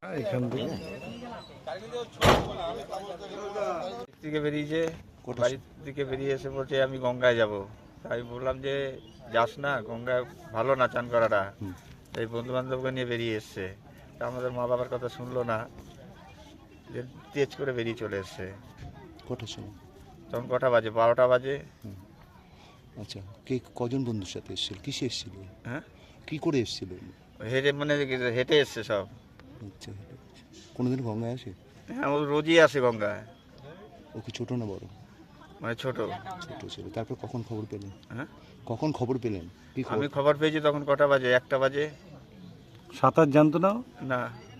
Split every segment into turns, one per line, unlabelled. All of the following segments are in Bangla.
এখান থেকে বেরিয়েছে, বাড়ির দিকে বেরিয়ে এসে বলছে আমি গঙ্গায় যাব। তাই বললাম যে যাস না, গঙ্গায় ভালো না চান করাটা। এই বন্ধু বান্ধবকে নিয়ে বেরিয়ে এসছে, তা আমাদের মা বাবার কথা শুনলো না, যে তেজ করে বেরিয়ে চলে এসছে।
কটার সময়?
তখন কটা বাজে? 12টা বাজে।
আচ্ছা, কে কজন বন্ধুর সাথে এসেছিল? কিসে এসেছিল?
হ্যাঁ,
কি করে এসেছিল?
হেঁটে, মানে হেঁটে এসছে সব।
আচ্ছা, কোনোদিন গঙ্গায় আসে?
হ্যাঁ, ও রোজই আসে গঙ্গায়।
ও কি ছোট না বড়?
মানে ছোট।
ছোট ছিল। তারপর কখন খবর পেলেন?
হ্যাঁ,
কখন খবর পেলেন?
আমি খবর পেয়েছি তখন কটা বাজে? 1টা বাজে।
সাঁতার জানতো না?
না।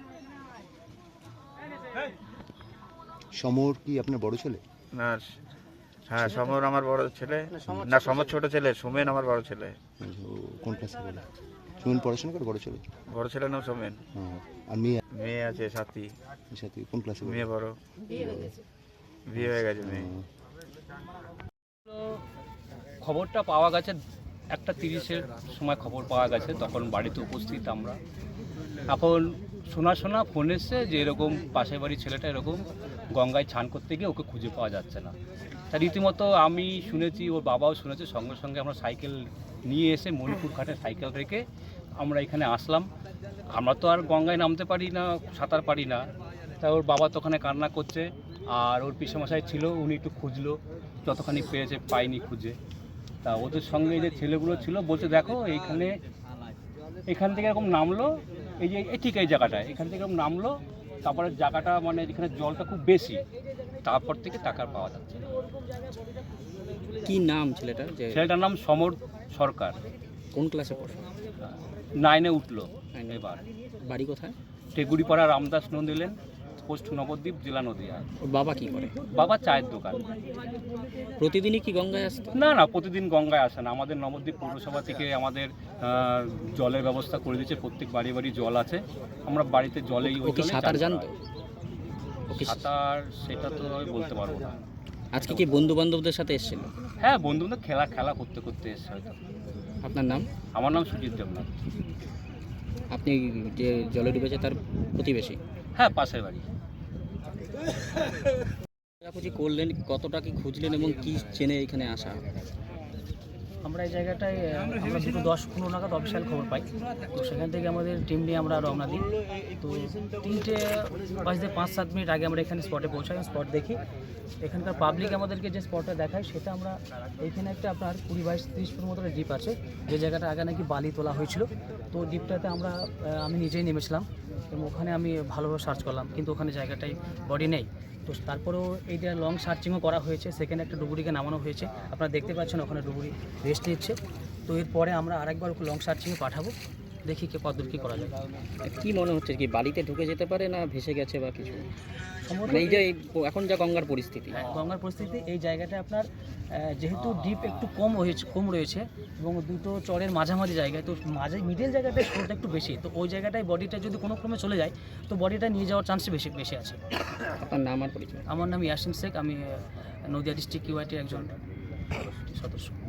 সমর কি আপনার বড় ছেলে?
না, হ্যাঁ, সমর আমার বড় ছেলে। না, সমর ছোট ছেলে, সোমেন আমার বড় ছেলে।
ও কোন ক্লাসে পড়ে? সুমন পড়াশোনা করে? বড় ছেলে?
বড় ছেলে নাম সোমেন।
আর মেয়ে?
মেয়ে আছে সাথী।
সাথে কোন ক্লাসে?
মেয়ে বড়, বিয়ে হয়ে গেছে মেয়ে।
খবরটা পাওয়া গেছে 1:30-এর সময় খবর পাওয়া গেছে, তখন বাড়িতে উপস্থিত আমরা। এখন শোনা ফোন এসছে যে এরকম পাশের বাড়ির ছেলেটা এরকম গঙ্গায় স্নান করতে গিয়ে ওকে খুঁজে পাওয়া যাচ্ছে না। তা রীতিমতো আমি শুনেছি, ওর বাবাও শুনেছে, সঙ্গে সঙ্গে আমরা সাইকেল নিয়ে এসে মণিপুর ঘাটে সাইকেল রেখে আমরা এখানে আসলাম। আমরা তো আর গঙ্গায় নামতে পারি না, সাঁতার পারি না। তা ওর বাবা তো ওখানে কান্না করছে, আর ওর পিসেমশাই ছিল, উনি একটু খুঁজলো, যতখানি পেয়েছে, পাইনি খুঁজে। তা ওদের সঙ্গে যে ছেলেগুলো ছিল বলছে দেখো এখান থেকে এরকম নামলো, এই যে ঠিক এই জায়গাটায়, এখান থেকে এরকম নামলো, তারপরে জায়গাটা মানে যেখানে জলটা খুব বেশি, তারপর থেকে টাকা পাওয়া যাচ্ছে।
কি নাম ছেলেটার?
ছেলেটার নাম সমর সরকার।
কোন ক্লাসে পড়ে?
9-এ উঠলো এবার।
বাড়ি কোথায়?
টেগুড়িপাড়া রামদাস নন্দীলেন, পোস্ট নবদ্বীপ, জেলা নদীয়া।
ওর বাবা কি করে?
বাবা চায়ের দোকান।
প্রতিদিনই কি গঙ্গায় আসতো?
না, প্রতিদিন গঙ্গায় আসে না। আমাদের নবদ্বীপ পৌরসভা থেকে আমাদের জলের ব্যবস্থা করে দিয়েছে, প্রত্যেক বাড়ি বাড়ি জল আছে, আমরা বাড়িতে জলেই
ও কি সাঁতার জানতো?
সাঁতার সেটা তো আমি বলতে পারবো না।
আজকে কি বন্ধু বান্ধবদের সাথে এসেছিল?
হ্যাঁ, বন্ধু খেলা করতে এসছে হয়তো।
আপনার নাম?
আমার নাম সুজিত দেবনাথ।
আপনি যে জলে ডুবেছে তার প্রতিবেশী?
হ্যাঁ, পাশের বাড়ি।
খোঁজাখুঁজি করলেন, কতটা কি খুঁজলেন এবং কি চেনে এখানে আসা?
আমরা এই জায়গাটায় আমরা 10-15 নাগাদ অফিসিয়াল খবর পাই। তো সেখান থেকে আমাদের টিম নিয়ে আমরা রওনা দিই। তো 3টে বাজতে 5-7 মিনিট আগে আমরা এখানে স্পটে পৌঁছাই, স্পট দেখি। এখানকার পাবলিক আমাদেরকে যে স্পটটা দেখায় সেটা আমরা, এইখানে একটা আপনার 20-22-30 ফুট মতো ডিপ আছে, যে জায়গাটা আগে নাকি বালি তোলা হয়েছিল। তো ডিপটাতে আমি নিজেই নেমেছিলাম এবং ওখানে আমি ভালোভাবে সার্চ করলাম, কিন্তু ওখানে জায়গাটায় বডি নেই। তো তারপরেও এইটা লং সার্চিংও করা হয়েছে, সেখানে একটা ডুবুরিকে নামানো হয়েছে, আপনারা দেখতে পাচ্ছেন ওখানে ডুবুরি রেস্ট নিচ্ছে। তো এরপরে আমরা আরেকবার লং সার্চিংয়ে পাঠাবো, দেখি কতদূর কী করা যায়।
কি মনে হচ্ছে, কি বালিতে ঢুকে যেতে পারে না ভেসে গেছে বা কিছু? মানে এই যে এখন যা গঙ্গার পরিস্থিতি,
গঙ্গার পরিস্থিতি, এই জায়গাটা আপনার যেহেতু ডিপ একটু কম রয়েছে এবং দুটো চরের মাঝামাঝি জায়গায়, তো মিডল জায়গাটায় স্রোতটা একটু বেশি, তো ওই জায়গাটায় বডিটা যদি কোনো ক্রমে চলে যায় তো বডিটা নিয়ে যাওয়ার চান্স বেশি আছে।
আপনার নাম আর পরিচয়?
আমার নাম ইয়াসিন শেখ, আমি নদিয়া ডিস্ট্রিক্ট ইউআইটির একজন সদস্য।